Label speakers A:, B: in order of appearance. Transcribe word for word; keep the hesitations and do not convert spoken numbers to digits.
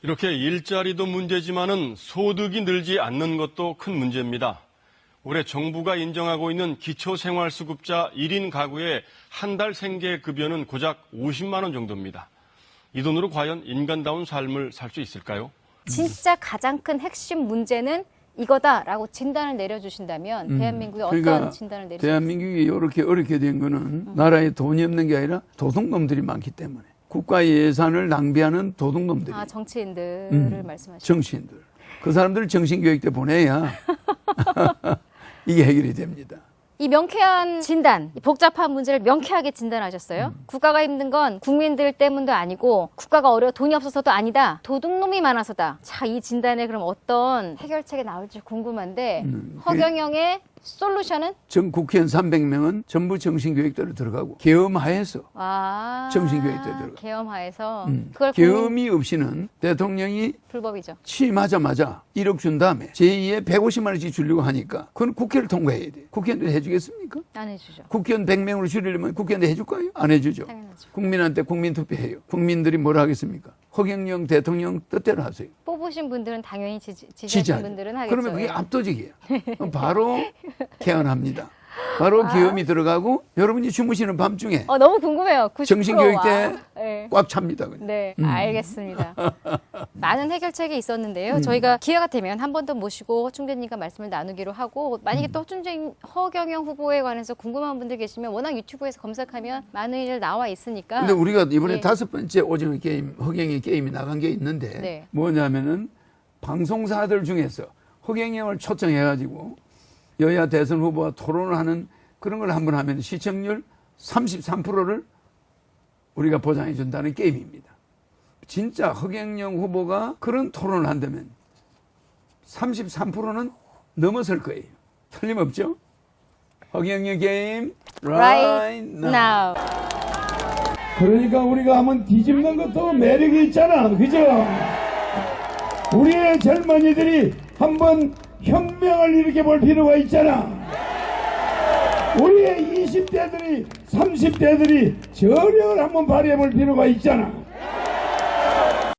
A: 이렇게 일자리도 문제지만은 소득이 늘지 않는 것도 큰 문제입니다. 올해 정부가 인정하고 있는 기초생활수급자 일 인 가구의 한 달 생계급여는 고작 오십만 원 정도입니다. 이 돈으로 과연 인간다운 삶을 살 수 있을까요?
B: 진짜 가장 큰 핵심 문제는 이거다라고 진단을 내려주신다면
C: 음,
B: 대한민국에
C: 그러니까
B: 어떤 진단을 내리시겠어요?
C: 대한민국이 이렇게 어렵게 된 거는 음. 나라에 돈이 없는 게 아니라 도둑놈들이 많기 때문에 국가 예산을 낭비하는 도둑놈들이.
B: 아, 정치인들을
C: 음,
B: 말씀하시죠.
C: 정치인들. 그 사람들 정신교육 때 보내야 이게 해결이 됩니다.
B: 이 명쾌한 진단, 이 복잡한 문제를 명쾌하게 진단하셨어요. 음. 국가가 힘든 건 국민들 때문도 아니고 국가가 어려워 돈이 없어서도 아니다. 도둑놈이 많아서다. 자, 이 진단에 그럼 어떤 해결책이 나올지 궁금한데 음, 허경영의 솔루션은?
C: 전 국회의원 삼백 명은 전부 정신교육대로 들어가고 계엄하에서
B: 아,
C: 정신교육대로 들어가고
B: 계엄하에서
C: 음,
B: 그걸
C: 계엄이 없이는 대통령이
B: 불법이죠.
C: 취임하자마자 일억 준 다음에 제이의 백오십만 원씩 주려고 하니까 그건 국회를 통과해야 돼. 국회의원들 해주겠습니까?
B: 안 해주죠.
C: 국회의원 백 명으로 줄이려면 국회의원들 해줄까요? 안 해주죠.
B: 당연하죠.
C: 국민한테 국민투표해요. 국민들이 뭐라 하겠습니까? 허경영 대통령 뜻대로 하세요.
B: 뽑으신 분들은 당연히 지지, 지지하신
C: 지지하죠.
B: 분들은 하겠죠.
C: 그러면 그게
B: 예.
C: 압도적이에요. 바로 개헌합니다. 바로
B: 아.
C: 계엄이 들어가고 여러분이 주무시는 밤중에
B: 어, 너무 궁금해요. 구십 퍼센트
C: 정신교육 때
B: 와. 네.
C: 꽉 찹니다. 그냥.
B: 네,
C: 음.
B: 알겠습니다. 많은 해결책이 있었는데요. 음. 저희가 기회가 되면 한 번 더 모시고 충대님과 말씀을 나누기로 하고 만약에 음. 또 허준재, 허경영 후보에 관해서 궁금한 분들 계시면 워낙 유튜브에서 검색하면 많은 일 나와 있으니까.
C: 근데 우리가 이번에
B: 예.
C: 다섯 번째 오징어 게임, 허경영 게임이 나간 게 있는데
B: 네.
C: 뭐냐면은 방송사들 중에서 허경영을 초청해가지고 여야 대선 후보와 토론을 하는 그런 걸 한번 하면 시청률 삼십삼 퍼센트를 우리가 보장해 준다는 게임입니다. 진짜 허경영 후보가 그런 토론을 한다면 삼십삼 퍼센트는 넘어설 거예요. 틀림없죠? 허경영 게임 right now.
D: 그러니까 우리가 한번 뒤집는 것도 매력이 있잖아. 그죠? 우리의 젊은이들이 한번 혁명을 일으켜 볼 필요가 있잖아. 우리의 이십 대들이 삼십 대들이 저력을 한번 발휘해 볼 필요가 있잖아.